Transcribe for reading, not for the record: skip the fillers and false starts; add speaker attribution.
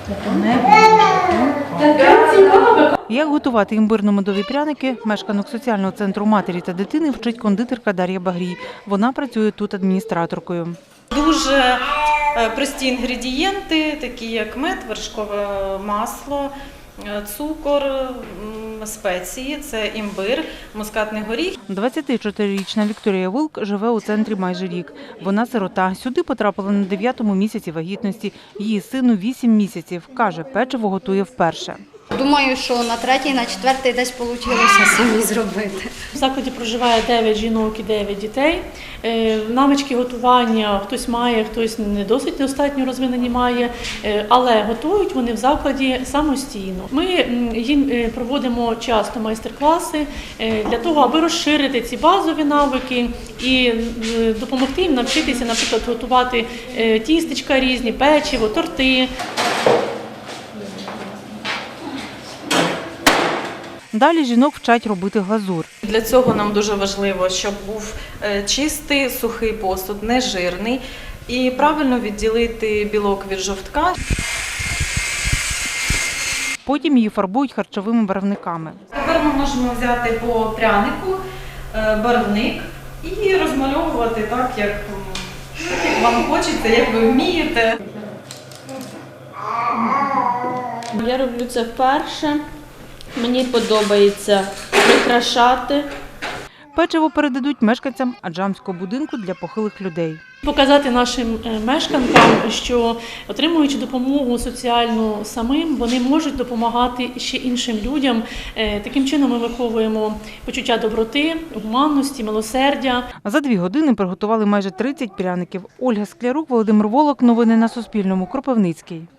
Speaker 1: Як готувати імбирно-медові пряники, мешканок соціального центру матері та дитини вчить кондитерка Дар'я Багрій. Вона працює тут адміністраторкою.
Speaker 2: Дуже прості інгредієнти, такі як мед, вершкове масло, цукор, спеції, це імбир, мускатний горіх.
Speaker 1: 24-річна Вікторія Вилк живе у центрі майже рік. Вона сирота. Сюди потрапила на 9-му місяці вагітності. Її сину 8 місяців. Каже, печиво готує вперше.
Speaker 3: Думаю, що на 3-й, на 4-й десь вийшло самі зробити.
Speaker 4: В закладі проживає 9 жінок і 9 дітей. Навички готування хтось має, хтось не досить достатньо розвинені має, але готують вони в закладі самостійно. Ми їм проводимо часто майстер-класи для того, аби розширити ці базові навики і допомогти їм навчитися, наприклад, готувати тістечка різні, печиво, торти.
Speaker 1: Далі жінок вчать робити глазур.
Speaker 2: Для цього нам дуже важливо, щоб був чистий, сухий посуд, не жирний і правильно відділити білок від жовтка.
Speaker 1: Потім її фарбують харчовими барвниками.
Speaker 2: Тепер ми можемо взяти по прянику барвник і розмальовувати так, як вам хочеться, як ви вмієте.
Speaker 5: Я роблю це вперше. Мені подобається прикрашати.
Speaker 1: Печиво передадуть мешканцям аджамського будинку для похилих людей.
Speaker 4: Показати нашим мешканцям, що отримуючи допомогу соціальну самим, вони можуть допомагати ще іншим людям. Таким чином ми виховуємо почуття доброти, гуманності, милосердя.
Speaker 1: За 2 години приготували майже 30 пряників. Ольга Склярук, Володимир Волок. Новини на Суспільному. Кропивницький.